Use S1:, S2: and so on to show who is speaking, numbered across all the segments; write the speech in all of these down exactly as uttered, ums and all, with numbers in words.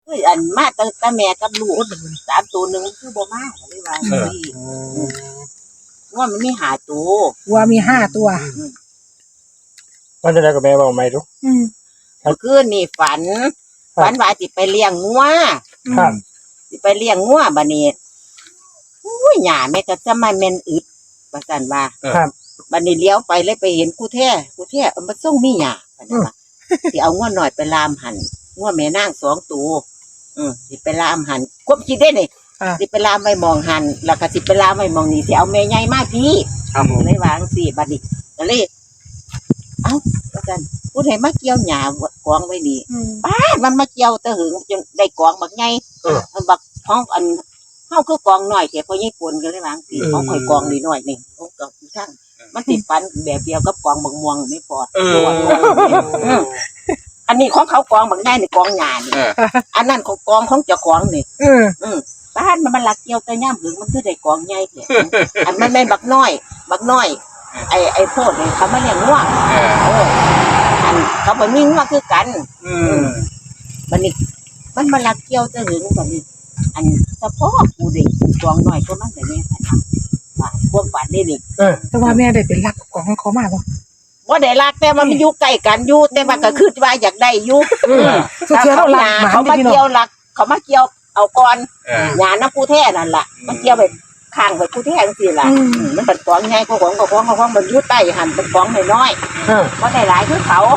S1: คืออันมาตั้งแต่แม่กับลูกสามตัวหนึ่งคือบ่มาเลยว่าสี่ว่ามันมีหาตัว
S2: วัวมีห้าตัว
S3: มันจะได้กับแม่บอกไหมทุก
S2: อืม
S1: เมื่อคืนนี่ฝัน ฝันว่าสิไปเลี้ยงงัว
S3: ครับ
S1: สิไปเลี้ยงงัวบัดนี้อุ้ยหญ้าแม่ก็จะมาแม่นอึดว่าซั่นว่า
S3: ครับ
S1: บัดนี้เลี้ยวไปเลยไปเห็นกูแท้กูแท้เอามาส่งมีหญ้าว่าซั่นว่าสิเอางัวหน่อยไปลามหันงัวแม่นางสองตัวอือสิไปลามหันควบคิดได้นี่
S2: อ่า
S1: สิไปลามไว้มองหันแล้วก็สิไปลามไว้มองนี่สิเอาแม่ใหญ่มาพี่
S3: ครับผม
S1: เลยวาจั่งซี่บัดนี้ก็เลยเอ้าว่าซั่นผู้ใดมาเกี่ยวหญ้ากองไว้นี่
S2: อืม
S1: ป้ามันมาเกี่ยวตะหึงจนได้กองบักใหญ่
S3: เออ
S1: มันบักท้องอันเฮาคือกองน้อยแต่พอญี่ปุ่นก็เลยวาจั่งซี่ของข่อยกองน้อยๆนี่ของกองอยู่ทางมันติดฟันแบบเดียวกับกองบักม่วงไม่พอ
S3: เออ
S1: อืมอันนี้ของเขากองบักใหญ่นี่กองหญ้านี่
S3: เออ
S1: อันนั้นของกองของเจ้าของนี่
S2: เออ
S1: อืมบ้านมันมันลักเกี่ยวแต่ย่ำหึงมันคือได้กองใหญ่แท้อันมันไม่นบักน้อย บักน้อย ไอ้ไอ้โพดนี่เขามาเลี้ยงงัว
S3: เออ
S1: เอออันเขาไปมีงัวคือกัน
S3: อืม
S1: บัดนี้ มันมาลักเกี่ยวแต่หึงบัดนี้ อันเฉพาะกูเด็กกองน้อยก็มันแต่เนี่ยค่ะว่าพวกฝันนี่นี่
S3: เออ
S2: แต่ว่าแม่ได้เป็นรักของเขามากบ่
S1: ว่าได้รักแต่ว่ามันอยู่ใกล้กันอยู่แต่ว่าก็คือว่าอยากได้อยู่
S2: สุดเทียเรารักหมา
S1: เขามา
S2: พี่น้อ
S1: เกี่ยว
S2: ง
S1: รัก เขามาเกี่ยวเอาก่อน
S3: เออ
S1: หยาน้ำผู้แท้นั่นล่ะ มันเกี่ยวไปข้างไปผู้แท้จังซี่ล่ะ
S2: อืม
S1: อืมมันเป็นกองใหญ่กว่าของของของของมันอยู่ใต้หันเป็นกองน้อย
S3: เออ
S1: ๆบ่ได้หลายคือเขา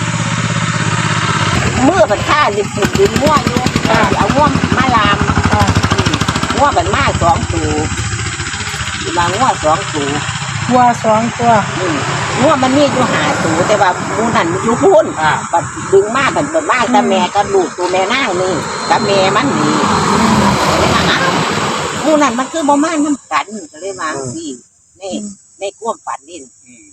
S1: มือมันฆ่าลิบลิบดินมั่วอยู่สิเอาง่วงมาลาม
S2: อ่า
S1: ง่วงมันมาสองตัวสิมาง่วงสองตัว
S2: วัวสองตัว
S1: อืมง่วงมันมีอยู่หาตัวแต่ว่าหมูนั่นมันอยู่พุ่น
S3: อ่า
S1: บัดดึงมาบัดบัดมาแต่แม่กับลูกตัวแม่นางนี่กับแม่มันนี่เลยว่าอ้าวหมูนั่นมันคือบ่มานํกันก็เลยว่าจังซี่นี่ในความฝันนี่
S3: อืม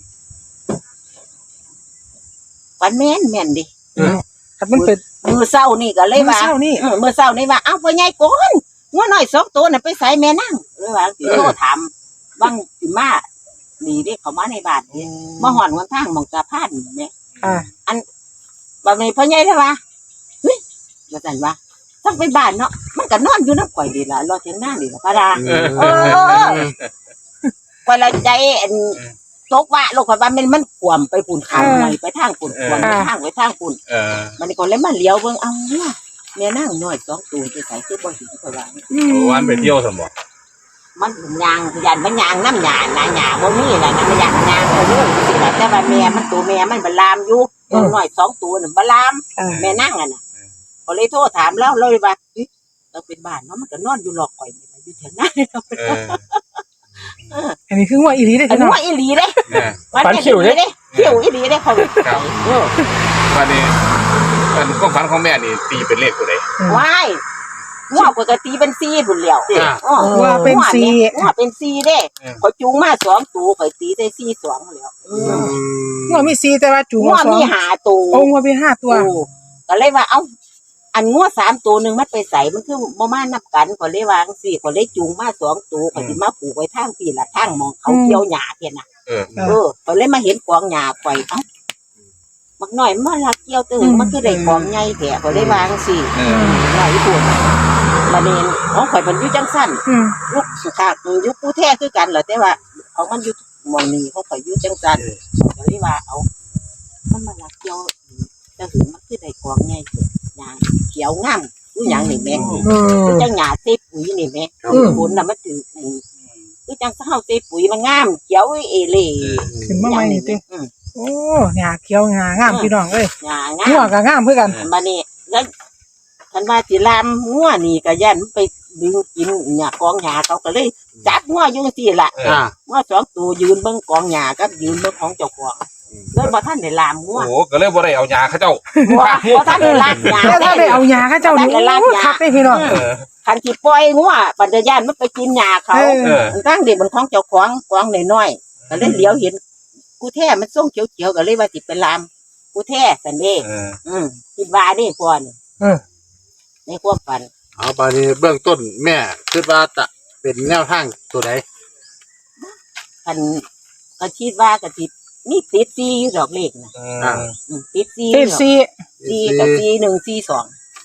S1: ฝันแม่นแม่นดิ
S2: ครับมันเป็น
S1: มือเศร้านี่ก็เลยว่า
S2: มื้อเช้านี่
S1: เออมือเศร้านี่ว่าเอ้าพ่อใหญ่โกนงัวน้อยสองตัวน่ะไปใส่แม่นั่งเลยว่าสิโทรถามบางสิมานี่เด้เขามาในบ้านนี่มาหอนวันทางหมองสะพานนี่แม่
S2: อ่า
S1: บัดนี้พ่อใหญ่เลยว่าเฮ้ยว่าซั่นว่าต้องไปบ้านเนาะมันก็นอนอยู่นำข่อยดีล่ะรอเถียงหน้านี่ล่ะพะดา
S3: เออ
S1: เออข่อยละใจอันตกว่าลูกข่อยว่ามันมันขวมไปปุ่นข้างในไปทางปุ่นขวมไปทางไปทางปุ่น
S3: เออ
S1: มันก็เลยมาเลี้ยวเบิ่งเอาเนี่ยแม่นางน้อยสองตัวจะใส่คือบ่สิข่อยว่า
S2: อืม
S3: วันไปเที่ยวสมบ่
S1: มันยางยันมันยางน้ำยาหนาหยาบ่มีล่ะนะมันยางยางเอาเลยสิล่ะแต่ว่าแม่มันตัวแม่มันบ่ลามอยู่ตัวน้อยสองตัวน่ะบ่ลาม
S2: อ่า
S1: แม่นางอ่ะน่ะก็เลยโทรถามแล้วเลยว่าเอ๊ะเราเป็นบ้านเนาะมันก็นอนอยู่หลอกข่อยนี่ล่ะอยู่แถวหน้า
S3: เออ
S2: อันนี้คือวัวอีหลีเด้อ
S1: อัน
S2: พี่น้อง
S1: ว่าอีหลีเด้
S3: เนี่ย
S1: ฝันคิวเด้คิวอีหลีเด้เขา
S3: ครับ
S1: เออ
S3: วันนี้เป็นความฝันของแม่นี่ตีเป็นเลขตัวใด
S1: ว้ายงัวปกติเป็นสี่พุ่นแล้ว
S3: อ่า
S1: อ้อ
S2: วัวเป็นสี่
S1: งัวเป็นสี่เด้
S3: เออ
S1: ข่อยจูงมาสองตัวข่อยตีได้สี่สองแล้วอืม
S2: วัวมีสี่แต่ว่าจูง
S1: งัว
S2: สอง
S1: มีหาตัว
S2: โอ้วัวมีห้าตัว
S1: โอ้ก็เลยว่าเอ้าอันงัวสามตัวหนึ่งมันไปใส่มันคือบ่มานับกันก็เลยวาจั่งสี่ก็เลยจูงมาสองตัวก็สิมาผูกไว้ทางพี่ละทางหมองเขาเกี่ยวหญ้าเพียน่ะ
S3: เออ
S1: เออก็เลยมาเห็นกองหญ้าข่อยเอ้าบักน้อยมันลักเกี่ยวตึง
S2: อืม
S1: มันคือได้กองใหญ่แท้ก็เลยวาจั่งสี่
S3: เออ
S1: น้อยพูดบัดนี้ของข่อยมันอยู่จังซั่น
S2: อืม
S1: ลูกสุขะอยู่ผู้แท้คือกันเหรอแต่ว่าของมันอยู่หมองนี้ของข่อยอยู่จังซั่นก็เลยว่าเอามันมาลักเกี่ยวจะถึงมันคือได้กองใหญ่แท้หญ้าเขียวงามคือหยังนี่แม่
S2: เออ
S1: คือจังหญ้าเซปุ๋ยนี่แม่
S2: อืม
S1: ฝนน่ะมันถือคือจังเฮาเซปุ๋ยมันงามเขียวเอเล่
S2: ขึ้นมาใหม่นี่ติ
S1: อืม
S2: โอ้หญ้าเขียวหญ้างามพี่น้องเอ้ย
S1: หญ้างา
S2: งัว
S1: ม
S2: ก็งามคือกัน
S1: บัดนี้แล้วคันว่าสิลามงัวนี่ก็ย่านมันไปดึงกินหญ้ากองหญ้าเขาก็เลยจับงัวอยู่จังซี่ล่ะ
S3: อ่า
S1: งัวสองตัวยืนเบิ่งกองหญ้ากับยืนเบิ่งของเจ้าของเลยบ่ทันได้ลามงัว
S3: โอ้ก็เลยบ่ได้เอายาเขาเจ้า
S1: บ่บ่ทันได้ลามหญ้า
S2: แล้วถ้าได้เอาหญ้าเขาเจ้านี่
S1: ได้ลากหญ้า
S2: คักได้พี่น้อง
S3: เออ
S1: คันสิปล่อยงัวปัญญาณมันไปกินหญ้าเขา
S2: เออ
S3: เออ
S1: มันตั้งเด็กมันของเจ้าของกองน้อยๆก็เลยเหลียวเห็นกูแท้มันส่งเขียวๆก็เลยว่าสิไปลามกูแท้สันเด้
S3: เออ
S1: อืมคิดว่าเด้พ่อนี่
S2: เออ
S1: ในความฝัน
S4: เอาไปนี้เบื้องต้นแม่คิดว่าจะเป็นแนวทางตัวใด
S1: คันก็คิดว่าก็สิมีติดซีอยู่ดอกเลขน่ะ
S3: อ่า
S1: อืมติดซี
S2: ติดสี่
S1: ซีกับซีหนึ่งซีสอง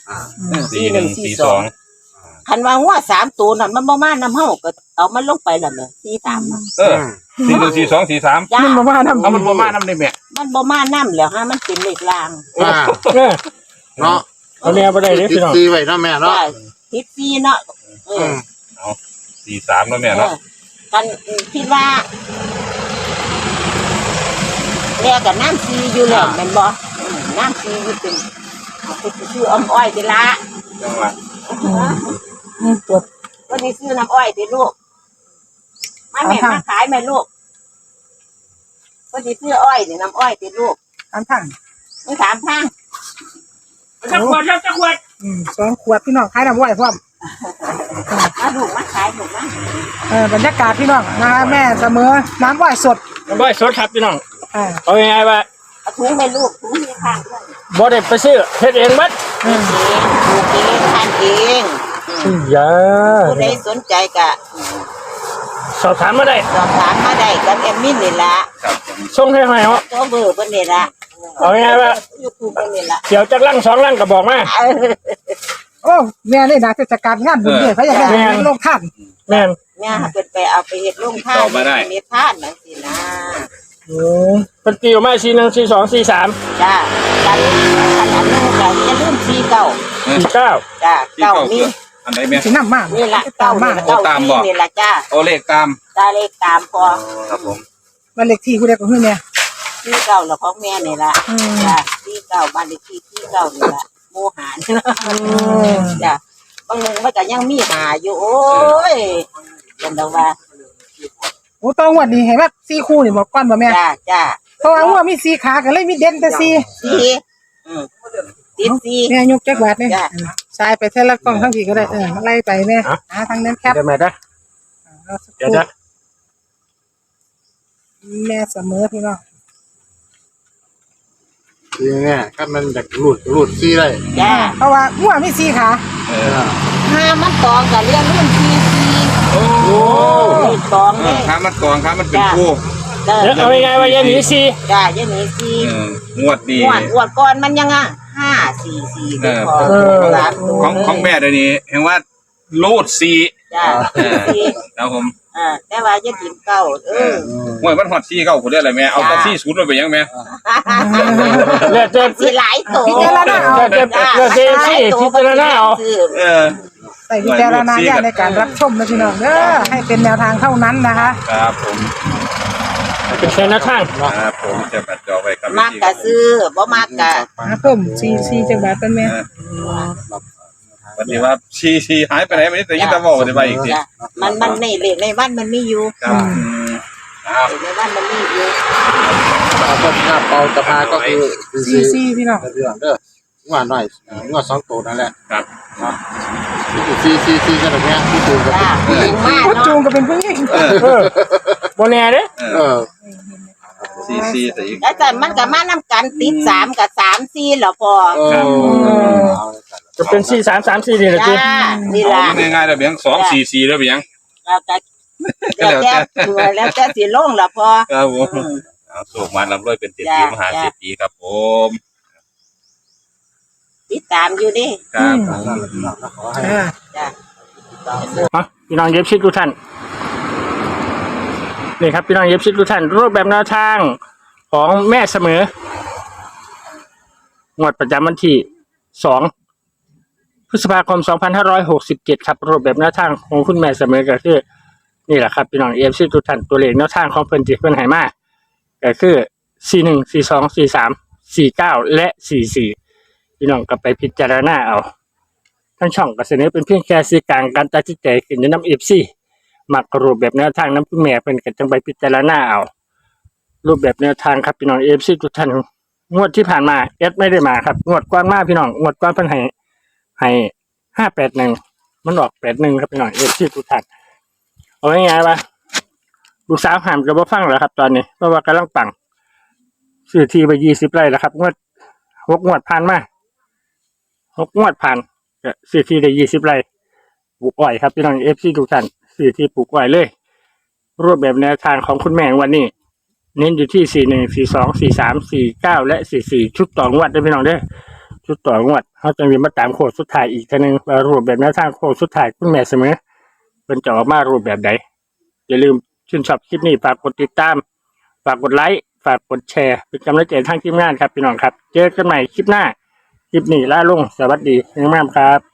S4: อ่า
S3: สี่หนึ่งสี่สอง
S1: คันว่างัวสามตัวนั่นมันบ่มานำเฮาก็เอามันลงไปแล้วเนี่ยสี่สามน่ะ
S3: เออสี่หนึ่งสี่สองสี่สาม
S1: จ้า
S2: มันมาว่าน้ำ
S3: เอามันประมาณนั้นได้แม่
S1: มันบ่มานำแล้วฮะมันเป็นเลขลาง
S4: อ่า
S5: เออ
S4: เนาะ
S5: เอาแนวไปได้เด้อ
S4: ติด
S5: พี่น้อง
S4: ซีไว้เนาะแม่เนาะ
S1: จ้าทิศสี่เนาะเอ
S4: อื
S1: อ
S4: ม
S3: สี่สามแล้วแม่
S1: เอ
S3: เนาะ
S1: อกันคิดว่าแม่กับน้ำซีอยู่แล้วแม่นบ่อืมน้ำซีอยู่เป็นเอาไปซื้ออ้อมอ้อยติละ
S3: จังหวะ
S2: อืมปวด
S1: วันนี้ซื้อน้ำอ้อยติลูกมาแม่
S2: เอาค่ะ
S1: มาขายแม่ลูกวันนี้ซื้ออ้อยนี่น้ำอ้อยติลูก
S2: อันทั้ง
S1: มึงถามทาง
S5: จักขวดครับจักขวด
S2: อืมสองขวดพี่น้องขายน้ำไหวพร้อม
S1: มาลูกมาขายลูกมา
S2: เออบรรยากาศพี่น้องนะคะแม่เสมอน้ำไหวสด
S5: น้ำบ่อยสดครับพี่น้อง
S2: อ่า
S5: เอาง่ายๆว่า
S1: เอาถุงไปลูกถุงที่ข้างด้วย
S5: บ่ได้ไปซื้อเฮ็ดเองบัด
S2: อืม
S1: เองปลูกเองทานเองอืม
S5: อย่า
S1: ผู้ใดสนใจก็อืม
S5: สอบถามมาได้
S1: สอบถามมาได้กับแอมมินนี่ละ
S3: ครับผม
S5: ส่งให้ให้เนาะ
S1: ตัวเบอร์เพิ่นนี่ละ
S5: เอาง่ายๆว่า
S1: ยูทูบเพิ่นนี่ละ
S5: เดี๋ยวจักลังสองลังก็บอกมา
S1: เออ
S2: โอ้แม่เลยนะเทศกาลงานบุญเนี่ยเขาอยากได้
S5: แม่
S2: ลงท่าน
S5: แม่น
S1: เนี่ยเพิ่นไปเอาไปเฮ็ดโรงทานเฮ็ดทานจังซี่นะ
S5: โอ้เป็นตีออกมาสี่หนึ่งสี่สองสี่สาม
S1: จ้ากันขนาดนึงก็อย่าลืมสี่เก้า
S5: สี่เก้า
S1: จ้า
S3: ที่
S1: เก้า
S3: เก้า
S1: มี
S3: คืออันไหนแม่
S2: สิน้ำมาก
S1: นี่ล่ะ
S2: ตา
S1: เก้าม
S2: มาก
S1: นี่เก้าสี่นี่ล่ะจ้า
S3: โอเลขตาม
S1: ตาเลขตามพอ
S3: ครับผม
S2: บ้านเลขที่ผู้ใดก็คือเนี่ย
S1: สี่เก้าแล้วของแม่นี่ล่ะ
S2: อืม
S1: จ้าสี่เก้าบ้านเลขที่สี่เก้านี่ล่ะโมหาร
S2: ม
S1: จ้าบางนึงมันก็ยังมีหาอยู่โอ้ยจังได๋ว่า
S2: โอ้ตัวงวดนี้เห็นว่าสี่คู่นี่บอกก่อนบ่แม่
S1: จ้าจ้า
S2: เพราะว่างวดมีสี่ขาก็เลยมีเด่นแต่สี่
S1: สี่อืมติดสี่
S2: แม่ยกจักบาทเนี่ย
S1: จ้ะ
S2: สายไปเท่าละกล้องทั้งพี่ก็ได้เออมาไล่ไปแม่หาทางนั้นแคป
S5: เดี๋ยวแม่ได้
S2: เอาสักค
S5: เดี๋ยว
S2: รู่
S5: นะ
S2: แม่เสมอพี่น้อง
S4: ทีเนี่ยถ้ามันจากหลุดหลุดซีได้
S1: จ้า
S2: เพราะว่างวดมีสี่ขา
S3: เอ
S4: เอ
S3: อ
S4: อ
S1: ห้ามันตองกับเรื่องรุ่นสี่สี่
S3: โอ้
S4: โอ้
S1: นี่ตอง
S3: เอ
S1: เล
S3: อย ค้ามันกองค้ามันเป็นคู่
S1: เด้อ
S5: เดี๋ยวเอาง่ายๆว่าอย่าหนีสี่
S1: จ้าอย่างนี้สี่
S3: เอองวดดี
S1: อ้วนอ้วนก่อนมันยังอ่ะห้าสี่สี่
S3: เออ
S1: พอสามตัว
S3: ของของแม่เดี๋ยวนี้เห็นว่าโลดซี
S1: จ้าสี่
S3: แล้วผม
S1: อ่าแต่ว่าจะกินเก้าเออ
S3: ห่วยมันฮอดซีเก้าคนได้อะไรแม่เอาแต่ซีศูนย์มาไปยังแม่
S5: เลือดเจ็บ
S1: สิหลายตัว
S2: พิจารณาเอา
S5: เลือดเจ็บเลือดเจ็บสี่พิจารณาเอา
S3: เออ
S2: ใส่วิจารณญาณในการรับชมนะพี่น้องเด้อให้เป็นแนวทางเท่านั้นนะคะ
S3: ครับผม
S5: เป็นแค่หน้าข้าง
S3: ครับผมจะบัดจอไว้ครับ
S1: มากกะซื้อบ่มากกะ
S2: หาเพิ่มสี่สี่จักบาทเป็นแม่
S3: วันนี้ว่าชีชีหายไปไหนไม่ได้แต่ยิ่งตะบอกจะไปอีกที
S1: จ้ะมันมันในเลขในบ้านมันมีอยู่
S3: ครับครับ
S1: เลขในบ้านมันมีอยู่
S4: เอาต้นหน้าเปาจะพาก็คือซี
S2: สี่สี่พี่น้อง
S4: เรื่องเด้องัวหน่อยงัวสองตัวนั่นแหละ
S3: ครับ
S4: ซีซีซีกันแบบเนี้ยที่ตูนกับ
S1: จ้าถึงมาก
S2: โคจูง
S1: เนาะ
S2: ก็เป็นผู้หญิง
S3: เออ
S5: เออโบแน่เด้อ
S3: เอ
S4: เอ
S3: อ
S4: อ
S3: ซีซีแต่อีก
S1: แล้วแต่มันก็มานำกันติดสามกับสามสี่แล้วพอ
S4: เออ
S5: จะเป็นสี่สามสามสี่นี่แหละ
S1: จ้า
S5: จี
S1: นี่ล่ะ
S3: ง่ายๆแล้วเบียงสองสี่สี่แล้วเบียง
S1: แล้วก็แล้วแต่ตัวแล้วแต่สิลงแล้วพอ
S3: ครับผม
S1: อืม
S3: เอาสูบมาลำร้อยเป็นเศรษฐี
S1: จ้ะ
S3: มหาเศรษฐีครับผม
S1: ติดตามอยู่ดิ
S3: ครับ
S4: ขอให้
S2: อ่า
S1: จ้า
S5: มาพี่น้องเย็บชิดทุกท่านนี่ครับพี่น้องเย็บชิดทุกท่านรูปแบบแนวทางของแม่เสมองวดประจำวันที่สองพฤษภาคมสองพันห้าร้อยหกสิบเจ็ดครับรูปแบบแนวทางของคุณแม่เสมอก็คือนี่แหละครับพี่น้องเอฟซีทุกท่านตัวเลขแนวทางของเพิ่นจิเพิ่นให้มาก็คือสี่หนึ่งสี่สองสี่สามสี่เก้าและสี่สี่พี่น้องก็ไปพิจารณาเอาทั้งช่องก็เสนอเป็นเพียงแค่สื่อกลางการตัดสินใจขึ้นในน้ำเอฟซีมักรูปแบบแนวทางน้ำคุณแม่เพิ่นก็จังไปพิจารณาเอารูปแบบแนวทางครับพี่น้องเอฟซีทุกท่านงวดที่ผ่านมาเอสไม่ได้มาครับงวดก่อนมาพี่น้องงวดก่อนเพิ่นให้ให้ห้าแปดหนึ่งมันออกแปดหนึ่งครับพี่น้องเอฟซีทุกท่านเอาง่ายๆว่าลูกสาวหามกับบ่ฟังแล้วครับ ตอนนี้เพราะว่ากำลังปังซื้อที่ไปยี่สิบไร่แล้วครับงวดหกงวดผ่านมาหกงวดผ่านก็ซื้อที่ได้ยี่สิบไร่ปลูกอ้อยครับพี่น้องเอฟซีทุกท่านซื้อที่ปลูกอ้อยเลยรูปแบบแนวทางของคุณแม่วันนี้เน้นอยู่ที่สี่หนึ่งสี่สองสี่สามสี่เก้าและสี่สี่ชุดต่องวดได้พี่น้องเด้อชุดต่องวดเขาจะมีมาตามโค้งสุดท้ายอีกทีนึงว่ารูปแบบแนวทางโค้งสุดท้ายคุณแม่เสมอเป็นจะออกมารูปแบบใดอย่าลืมชื่นชอบคลิปนี้ฝากกดติดตามฝากกดไลค์ฝากกดแชร์เป็นกำลังใจทางทีมงานครับพี่น้องครับเจอกันใหม่คลิปหน้าคลิปนี้ล่าลงสวัสดีงามๆครับ